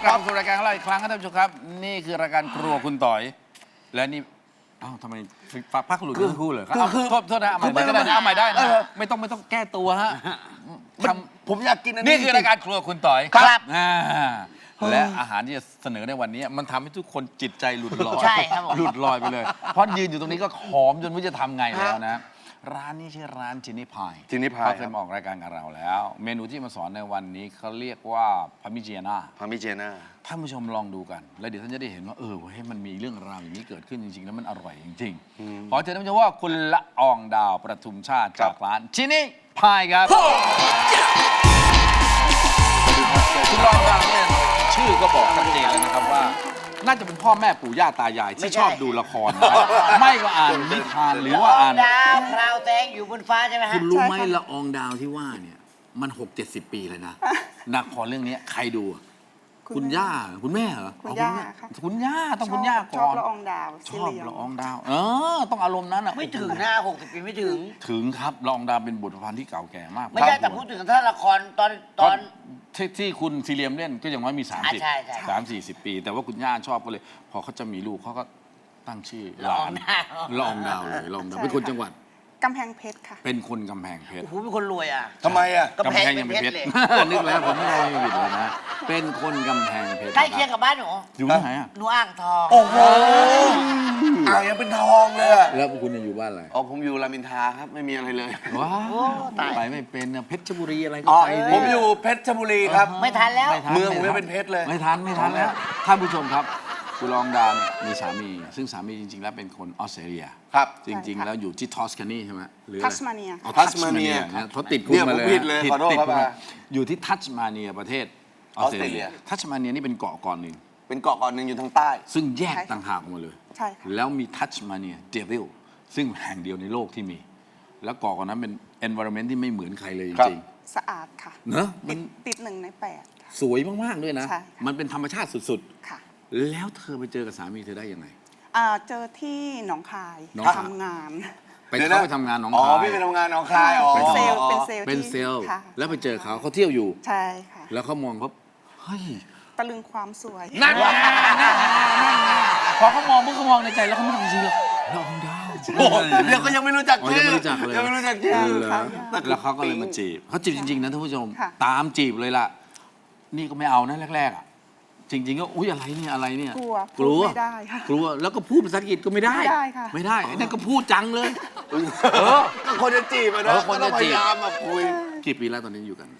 ลับมาสู่รายการของเราอีกครั้งครับท่านผู้ชมครับนี่คือรายการครัวคุณต่อยและนี่อ้าวทำไมพักหลุดทั้งคู่เลยครับโทษนะเอาใหม่ก็ได้นะเอาใหม่ได้นะไม่ต้องแก้ตัวฮะผมอยากกินอันนี้นี่คือรายการครัวคุณต่อยครับและอาหารที่จะเสนอในวันนี้มันทำให้ทุกคนจิตใจหลุดลอยใช่ครับผมหลุดลอยไปเลย เพราะยืนอยู่ตรงนี้ก็หอมจนไม่รู้จะทำไงแล้วนะ ร้านนี้ชื่อร้านจินนี่พายจินนี่พายเขาเคยมาออกรายการกับเราแล้ว เมนูที่มาสอนในวันนี้เขาเรียกว่าพามิเจียนาพามิเจน่าท่านผู้ชมลองดูกัน แล้วเดี๋ยวท่านจะได้เห็นว่าเฮ้ยมันมีเรื่องราวอย่างนี้เกิดขึ้นจริงๆแล้วมันอร่อยจริงๆขอเชิญท่านผู้ชมว่าคุณละอองดาวประทุมชาติจากร้านจินนี่พายครับคุณละอองดาวเนี่ยชื่อก็บอกชัดเจนแล้วนะครับว่า น่าจะเป็นพ่อแม่ปู่ย่าตายายที่ชอบดูละครนะครับไม่ว่าอ่านนิทานหรือว่าอ่านดาวพราวแสงอยู่บนฟ้าใช่ไหมฮะคุณรู้ไหมละอองดาวที่ว่าเนี่ยมัน60-70 ปีเลยนะละครเรื่องนี้ใครดูอะคุณย่าคุณแม่เหรอคุณย่าค่ะคุณย่าต้องคุณย่าก่อนชอบละอองดาวชอบละอองดาวต้องอารมณ์นั้นอ่ะไม่ถึงนะ60 ปีไม่ถึงถึงครับละอองดาวเป็นบทประพันธ์ที่เก่าแก่มากไม่ใช่แต่พูดถึงถ้าละครตอนที่คุณซีเรียมเล่นก็ยังว่ามี30 ใช่ 30-40 ปี แต่ว่าคุณย่าชอบก็เลย พอเขาจะมีลูกเขาก็ตั้งชื่อหละลาอองนดาวละอองดาวเลยละอองดาวเป็นคนจังหวัดกำแพงเพชรค่ะเป็นคนกำแพงเพชรโอ้โหเป็นคนรวยอ่ะทำไมอ่ะกำแพงเป็นเพชรเลยนึกแล้วผมไม่ได้ผิดเลยนะ เป็นคนกำแพงเพชรใกล้เคียงกับบ้านหนูอยู่ที่ไหนอ่ะหนูอ่างทองโอ้โหอ่างยังเป็นทองเลยอะแล้วคุณอยู่บ้านอะไรอ๋อผมอยู่รามอินทราครับไม่มีอะไรเลยว้าโอ้วตายไปไม่เป็นนะเพชรบุรีอะไรก็อ๋อไปสิผมอยู่เพชรบุรีครับไม่ทันแล้วไทันเมืองผมยังเป็นเพชรเลยไม่ทันแล้วท่านผู้ชมครับคุณลองดาวเนี่ยมีสามี ซึ่งสามีจริงๆ แล้วเป็นคนออสเตรเลียครับจริง ๆ แล้วอยู่ที่ทอสคานีใช่ไหมหรืออะไรทัสมาเนียอ๋อทัสมาเนียนะเขาติดคุกมาเลยเนี่ยผมผิดเลยขอโทษติดครับคุกมาอ่ะอยู่ที่ทัสมาเนียประเทศออสเตรเลียออสเตรเลียทัสมาเนียนี่เป็นเกาะหนึ่งเป็นเกาะหนึ่งอยู่ทางใต้ซึ่งแยกใช่ค่ะต่างหากออกมาเลยใช่ค่ะแล้วมีทัชมาเนียเดวิลซึ่งแห่งเดียวในโลกที่มี แล้วเกาะนั้นเป็น environment ที่ไม่เหมือนใครเลยจครับริงสะอาดค่ะๆเนอะมันติด1 ใน 8ค่ะสวยมาก ๆ ด้วยนะใช่ค่ะมันเป็นธรรมชาติสุดค่ะๆ แล้วเธอไปเจอกับสามีเธอได้ยังไงเจอที่หนองคายหนองคายทำงานไปเข้าไปทำงานหนองอ๋อคายพี่ไปทำงานหนองคายอ๋อเป็นเซลล์อ๋อเป็นเซลล์เป็นที่เซลล์ค่ะแล้วไปเจอเขาเที่ยวอยู่ใช่ค่ะแล้วเขามองเขาเฮ้ยตะลึงความสวยนั่นไงพอเขามองปุ๊บเขามองในใจแล้วเขาไม่ทำจริงเลยละอองดาวโอ้โหเดี๋ยวก็ยังไม่รู้จักอ๋อชื่ยังอไม่รู้จักเลยยังไม่รู้จักชื่อเหรอแล้วเขาก็เลยมาจีบเขาจีบจริง ๆ นะท่านผู้ชมค่ะตามจีบเลยล่ะ นี่ก็ไม่เอานะแรกๆอ่ะ จริง ๆ ก็อุ๊ยอะไรเนี่ยอะไรเนี่ยกลัวกลัวพูดไม่ได้ค่ะกลัวแล้วก็พูดภาษาอังกฤษก็ไม่ได้ไม่ได้ค่ะไม่ได้ไอ้นั่นก็พูดจังเลยคนจะจีบอะเอนะอคนจะจีบก็ต้องพยายามมาคุยกี่ปีแล้วตอนนี้อยู่กัน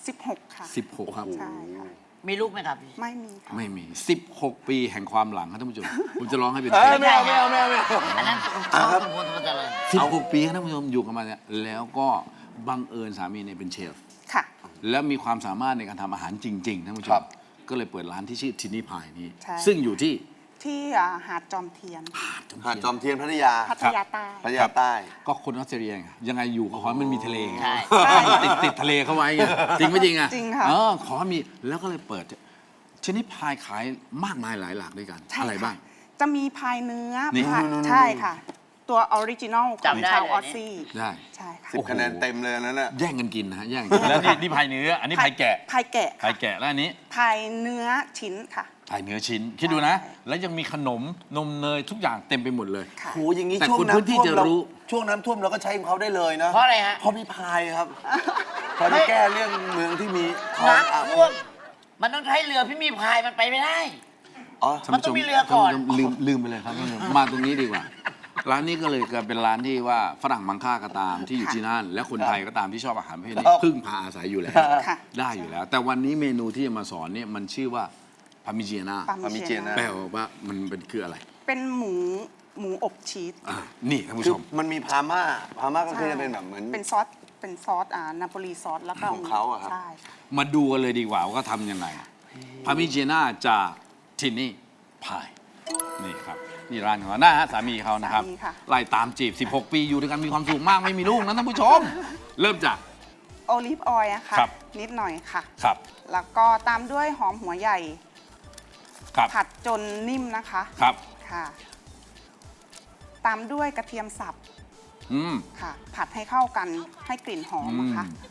16 ค่ะ 16 ครับใช่ค่ะมีลูกไหมครับพี่ไม่มีค่ะไม่มี 16 ปีแห่งความหลังครับท่านผู้ชมผมจะร้องให้เป็นเอเพลอง ไม่เอาไม่เอาไม่เอาไม่เอาอันนั้นต้องสมควรสมควรเลย 16 ปีครับท่านผู้ชมอยู่กันมาเนี่ยแล้วก็บังเอิญสามีเนี่ยเป็นเชฟค่ะแล้วมีความสามารถในการทำอาหารจริงๆท่านผู้ชครัมบก็เลยเปิดร้านที่ชื่อทินนี่พายนี้ใช่ซึ่งอยู่ที่ที่หาดจอมเทียนหาดจอมเทียนพัทยาพัทยาใต้พัทยาใต้ก็คนออสเตรเลียไงยังไงอยู่ก็ขอให้มันมีทะเลไงใช่ใช่ติดทะเลเข้าไว้ไงจริงไม่จริงอ่ะจริงค่ะขอให้มีแล้วก็เลยเปิดชนิดพายขายมากมายหลายหลากด้วยกันใช่อะไรค่ะบ้างจะมีพายเนื้อนี่พายใช่ค่ะ ตัวออริจินอลของจำได้ชาวเลยออสเนี่ยซี่ได้ใช่ค่ะโอ้โหคะแนนเต็มเลยอันนั้นน่ะแย่งกันกินนะฮะแย่งกันกินแล้วนี่พายเนื้ออันนี้พายแกะพายแกะพายแกะแล้วอันนี้พายเนื้อชิ้นค่ะพายเนื้อชิ้นคิดดูนะ แล้วยังมีขนมนมเนยทุกอย่างเต็มไปหมดเลยค่ะโหอย่างนี้แต่ช่วงคนพื้นที่น้ำท่วมจะเรารู้ช่วงน้ำท่วมเราก็ใช้ของเขาได้เลยนะเพราะอะไรฮะเพราะมีพายครับพอได้แก้เรื่องเมืองที่มีคลองน้ำท่วมมันต้องใช้เรือพี่มีพายมันไปไม่ได้อ๋อมันต้องมีเรือก่อนท่าผู้ชมลืมไปเลยครับท่านผู้ชมมาตรงนี้ดีกว่า ร้านนี้ก็เลยกลายเป็นร้านที่ว่าฝรั่งมังค่าก็ตามที่อยู่ที่นั่น และคนไทยก็ตามที่ชอบอาหารประเภทนี้พึ่งพาอาศัยอยู่แล้วค่ะได้อยู่แล้ว แต่วันนี้เมนูที่จะมาสอนเนี่ยมันชื่อว่าพามิเจียนาปามิเจียนาแปลว่ามันเป็นคืออะไรเป็นหมูอบชีสนี่ท่านผู้คืชอมมันมีพาม่าก็คือจะเป็นแบบเหมือนเป็นซอสนาโปลีซอสแล้วก็ของเขาอะครับใช่ค่ะมาดูกันเลยดีกว่าว่าทำยังไงพามิเจียนาจากทินนี่พายนี่ครับนี่ร้านของเขาหน้าฮะสามีเขานะครับสามีค่ะไล่ตามจีบ 16 ปีอยู่ด้วยกันมีความสุขมากไม่มีลูกนะท่านผู้ชม เริ่มจากโอลิฟออยล์นะคะครับนิดหน่อยค่ะครับแล้วก็ตามด้วยหอมหัวใหญ่ครับผัดจนนิ่มนะคะครับค่ะ ตามด้วยกระเทียมสับอืมค่ะ ผัดให้เข้ากันให้กลิ่นหอมนะคะอืม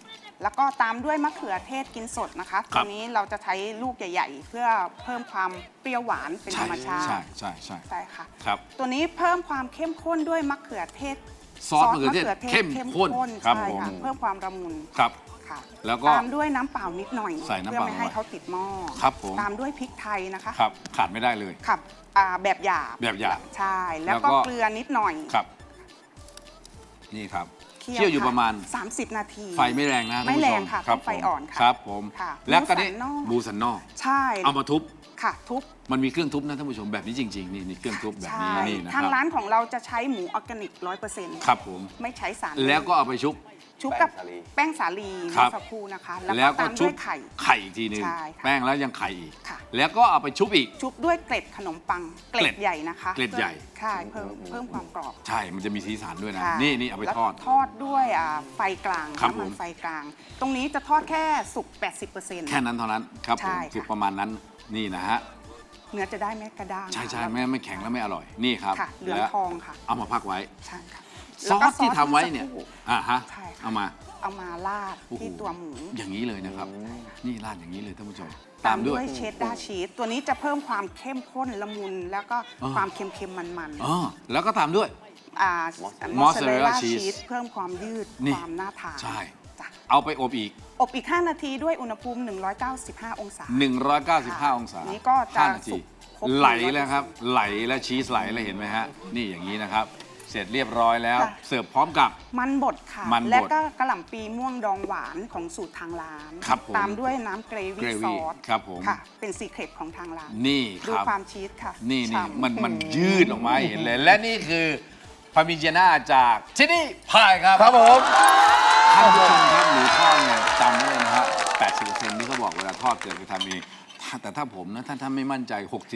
แล้วก็ตามด้วยมะเขือเทศกินสดนะคะครัตับวนี้เราจะใช้ลูกใหญ่ ๆ เพื่อเพิ่มความเปรี้ยวหวานเป็นธรรมชาติใช่ใช่ค่ะครับตัวนี้เพิ่มความเข้มข้นด้วยมะเขือเทศซอสมะเขือเทศเข้มข้นครับใช่ผมค่ะเพิ่มความละมุนครับค่ะแล้วก็ตามด้วยน้ำเปล่านิดหน่อยใส่น้ำเพื่อเปล่าไม่ให้เขาติดหม้อครับผมตามด้วยพริกไทยนะคะครับขาดไม่ได้เลยครับแบบหยาบแบบหยาบใช่แล้วแล้วก็ก็เกลือนิดหน่อยครับ นี่ครับเคี่ยวอยู่ประมาณ 30 นาทีไฟไม่แรงนะท่านไม่ผู้แรชงมค่ะครับต้องไฟอ่อนค่ะครับผมค่ะแล้วก็นี่หมูสันนอกหมูสันนอกใช่เอามาทุบค่ะทุบมันมีเครื่องทุบนะท่านผู้ชมแบบนี้จริง ๆ นี่เครื่องทุบแบบนี้ใช่นี่นะคทางรับร้านของเราจะใช้หมูออร์แกนิก 100% ครับผมไม่ใช้สารแล้วก็เอาไปชุบชุบกับแป้งสาลีครับเมื่อสักครู่นะคะแล้แล้ว วก็ก็ตามชุด้บวยไข่ไข่อีกทีหนึงใช่ค่ะแป้งแล้วยังไข่อีกค่ะแล้วก็เอาไปชุบอีกชุบด้วยเกล็ดขนมปังเกล็ดใหญ่นะคะเกล็ดใหญ่ใช่เพิ่มความกรอบใช่มันจะมีสีสันด้วยนะค่ะนี่เอาไปแล้วทอดทอดด้วยไฟกลางครับน้ำมัผมไฟกลาง ตรงนี้จะทอดแค่สุก 80% แค่นั้นเท่านั้นครับผมใช่ค่ะคือประมาณนั้นนี่นะฮะเนื้อจะได้ไม่กระด้างใช่แล้วไม่แข็งแล้วไม่อร่อยนี่ครับค่ะเหลืองแล้วทองค่ะเอามาพักไว้ใช่ค่ะซอแล้วก็สที่ทำไว้เนี่ยสักครู่ฮะใช่ค่ะเอามาเอามาราดโอ้โหที่ตัวหมูอย่างนี้เลยนะครับ นี่ราดอย่างนี้เลยท่านผู้ชมตามด้วยเชดดาร์ชีสตัวนี้จะเพิ่มความเข้มข้นละมุน แล้วก็อ๋อความเค็มๆมันอ๋อแล้วก็ตามด้วยมอสซาเรล Mozzarella ล่า cheese ชีสเพิ่มความยืดนี่ความน่าทานใช่จ้ะเอาไปอบอีกอบอีก 5 นาทีด้วยอุณหภูมิ 195 องศา 195 องศานี่ก็จะ 5นาทีสุกครบไหล 100% แล้วครับ ไหลแล้วชีสไหลแล้วเห็นไหมฮะ นี่อย่างนี้นะครับ เสร็จเรียบร้อยแล้วค่ะเสิร์ฟพร้อมกับมันบดค่ะมันบดและก็กระหล่ำปีม่วงดองหวานของสูตรทางร้านครับผมตามด้วยน้ำเกรวี่ gravy ซอสครับผมค่ะ เป็นซีเครตของทางร้านนี่คดูรับความชีสค่ะนี่ฉ่ำมันยืดออกมาให้เห็นเลย และนี่คือพาร์มิเจน่าจากที่นี่พายครับครับผมท่านผู้ชมครับหมูทอดเนี่ยจำไว้เลยนะฮะ 80%ที่เขาบอกเวลาทอดเกิดไปทำเองแต่ถ้าผมนะถ้าไม่มั่นใจ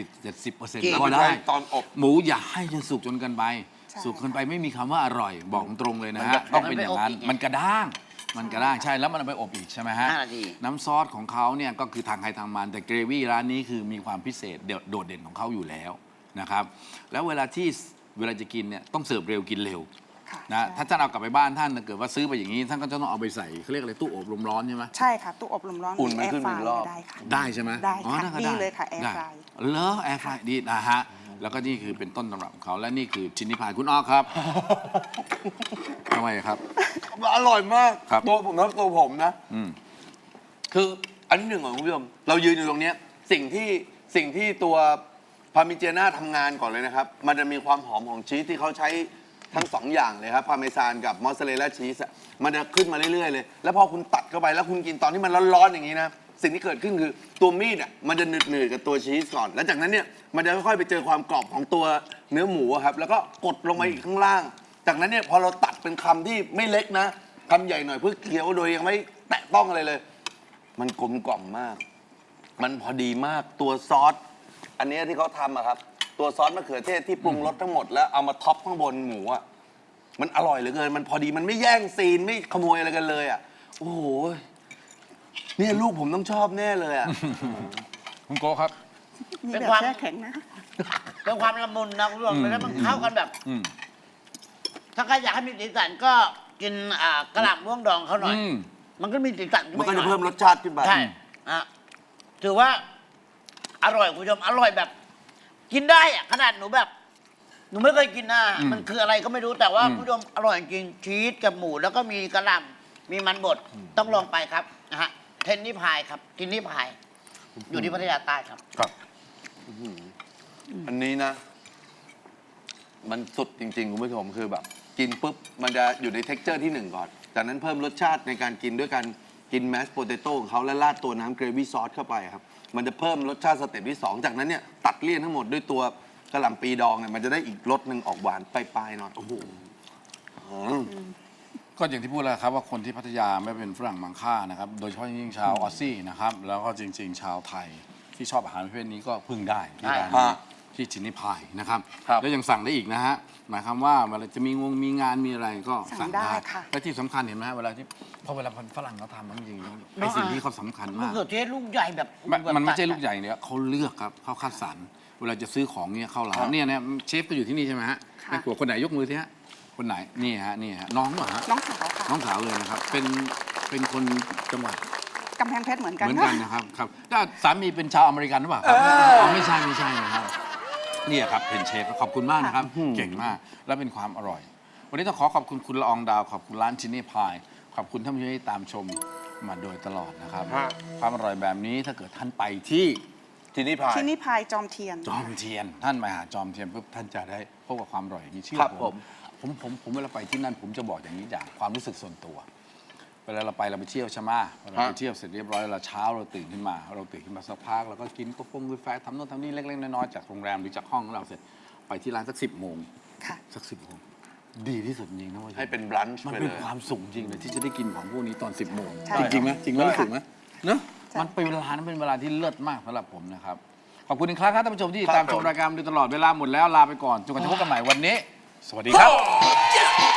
60-70% ก็ได้ตอนอบหมูอย่าให้จนสุกจนเกินไปใช่สุกเกินไปไม่มีคำว่าอร่อย บอกตรงเลยนะมันฮะจะต้องเป็นอย่างนั้นมันไปอบอีกมันกระด้าง มันกระด้างใช่แล้วมันเอาไปอบอีกใช่ไหมฮะ 5 นาทีน้ำซอสของเขาเนี่ยก็คือทางใครทางมันแต่เกรวี่ร้านนี้คือมีความพิเศษโดดเด่นของเขาอยู่แล้วนะครับแล้วเวลาจะกินเนี่ยต้องเสิร์ฟเร็วกินเร็วค่ะนะใช่ถ้าท่านเอากลับไปบ้านท่านเกิดว่าซื้อไปอย่างนี้ท่านก็จะต้องเอาไปใส่เขาเรียกอะไรตู้อบลมร้อนใช่ไหมใช่ค่ะ ตู้อบลมร้อนอุ่นมันแอร์ขึ้นฟหนึ่งรอบได้ค่ะได้ใช่ไหมได้อ๋อค่ะก็ดีเลยค่ะแอร์ได้ฟรายเหรอแอร์ฟรายดีนะฮะแล้วก็นี่คือเป็นต้นตำรับของเขาและนี่คือชิ้นนิพายคุณอ้อครับ ทำไมครับอร่อยมากครับตัวผมนะตัวผมนะอืมคืออันที่หนึ่งของคุณผู้ชมเรายืนอยู่ตรงเนี้ยสิ่งที่ตัวพาร์มิเจน่าทำงานก่อนเลยนะครับ มันจะมีความหอมของชีสที่เขาใช้ทั้งสองอย่างเลยครับพาร์เมซานกับมอสซาเรลล่าชีสอะมันจะขึ้นมาเรื่อยๆเลย แล้วพอคุณตัดเข้าไปแล้วคุณกินตอนที่มันร้อนๆอย่างนี้นะสิ่งที่เกิดขึ้นคือตัวมีดอ่ะมันจะหนืดๆกับตัวชีสก่อน แล้วจากนั้นเนี่ยมันจะค่อยๆไปเจอความกรอบของตัวเนื้อหมูอะครับแล้วก็กดลงมาอีกข้างล่าง จากนั้นเนี่ยพอเราตัดเป็นคำที่ไม่เล็กนะคำใหญ่หน่อยเพื่อเคี้ยวโดยยังไม่แตะต้องอะไรเลย มันกลมกล่อมมาก มันพอดีมาก ตัวซอส อันเนี้ยที่เขาทำอะครับ ตัวซอสมะเขือเทศที่ปรุงรสทั้งหมดแล้วเอามาท็อปข้างบนหมูอะมันอร่อยเหลือเกิน มันพอดี มันไม่แย่งซีน ไม่ขโมยอะไรกันเลยอะโอ้โห เนี่ยลูกผมต้องชอบแน่เลยอะคุณโกครับมีเป็นแบบความแช่แข็งนะเป็นความละมุนนะคุณผู้ชมแล้วมันเข้ากันแบบอืมถ้าใครอยากให้มีสีสันก็กินกระหล่ำม่วงดองเขาหน่อยอืมมันก็มีสีสันมันก็หจะอยเพิ่มรสชาติขึ้นไปใช่ถือว่า อร่อยคุณผู้ชมอร่อยแบบ กินได้อะขนาดหนูแบบ หนูไม่เคยกินนะอืมมันคืออะไรก็ไม่รู้แต่ว่าอืมคุณผู้ชมอร่อยจริงชีสกับหมูแล้วก็มีกระหล่ำมีมันบดต้องลองไปครับนะฮะเทนนี่พายครับกินนี่พาย อยู่ที่พัทยาใต้ครับครับอันนี้นะ มันสุดจริงๆ คุณผู้ชมคือแบบ กินปุ๊บ มันจะอยู่ในเท็กเจอร์ที่หนึ่งก่อน จากนั้นเพิ่มรสชาติในการกินด้วยการกินแมสโพเตโต้ของเขาและราดตัวน้ำเกรวี่ซอสเข้าไปครับ มันจะเพิ่มรสชาติสเต็ปที่ 2 จากนั้นเนี่ย ตัดเลี่ยนทั้งหมดด้วยตัวกระหล่ำปีดองเนี่ยมันจะได้อีกรสหนึ่งออกหวานปลายๆหน่อยโอ้โหอืมก็อย่างที่พูดแล้วครับว่าคนที่พัทยาไม่เป็นฝรั่งมังค่านะครับโดยเฉพาะยิ่งชาวออสซี่นะครับแล้วก็จริง ๆ ชาวไทยที่ชอบอาหารประเภทนี้ก็พึ่งได้ที่ร้านนี้ฮะที่ชินนิพายนะครับครับแล้วยังสั่งได้อีกนะฮะหมายความว่าเวลาจะมีงานมีอะไรก็สั่สั่งงได้ได้ค่ะและที่สำคัญเห็นไหมฮะเวลาคนฝรั่งเขาทำจริงๆไอ้เนาะสิ่งที่เขาสำคัญมะมากเขือเทศลูกใหญ่แบบมันไม่ใช่ลูกใหญ่เนี่ยเขาเลือกครับเขาคัดสรรเวลาจะซื้อของเนี่ยเข้าร้านเนี่ยเชฟก็อยู่ที่นี่ใช่ไหมฮะค่ะแม่ครัวคนไหนยกมือสิฮะคนไหนนี่ฮะน้องเหรอฮะน้องสาวค่ะน้องสาวเลยนะครับ เป็นคนจังหวัดกำแพงเพชรเหมือนกันเหมือนกันนะครับครับแล้วสามีเป็นชาวอเมริกันหรือเปล่าครับไม่ใช่นะครับนี่ครับเป็นเชฟขอบคุณมากนะครับ เก่งมากและเป็นความอร่อย วันนี้ต้องขอบคุณคุณละอองดาวขอบคุณร้านชินนี่พายขอบคุณท่านผู้ชมที่ตามชมมาโดยตลอดนะครับ ความอร่อยแบบนี้ถ้าเกิดท่านไปที่ที่นี่พายที่นี่พายจอมเทียนจอมเทียนท่านมาหาจอมเทียนปุ๊บท่านจะได้พบกับความอร่อยอย่างนี้เชื่อครับผมเวลาไปที่นั่นผมจะบอกอย่างนี้จากความรู้สึกส่วนตัว เวลาเราไปเที่ยวใช่ไหมเราไปเที่ยวเสร็จเรียบร้อยแล้วเช้าเราตื่นขึ้นมาสักพักเราก็กินกาแฟทำโน่นทำนี่เล็กๆน้อยๆจากโรงแรมหรือจากห้องของเราเสร็จไปที่ร้านสัก10 โมงค่ะสัก10 โมงดีที่สุดจริงนะว่าให้เป็นบรันช์มันไปเป็นเลยความสุขจริงเลยที่จะได้กินของพวกนี้ตอน 10 โมงใช่จริงไหมจริงไหมใช่ถูกไหมเนอะใช่มันเป็นเวลานั้นเป็นเวลาที่เลิศมากสำหรับผมนะครับขอบคุณอีกครั้งครับท่านผู้ชมที่ครับตามชมผมรายการมาโดยตลอดเวลาหมดแล้วลาไปก่อนจนกว่าจะพบกันใหม่วันนี้ สวัสดีครับ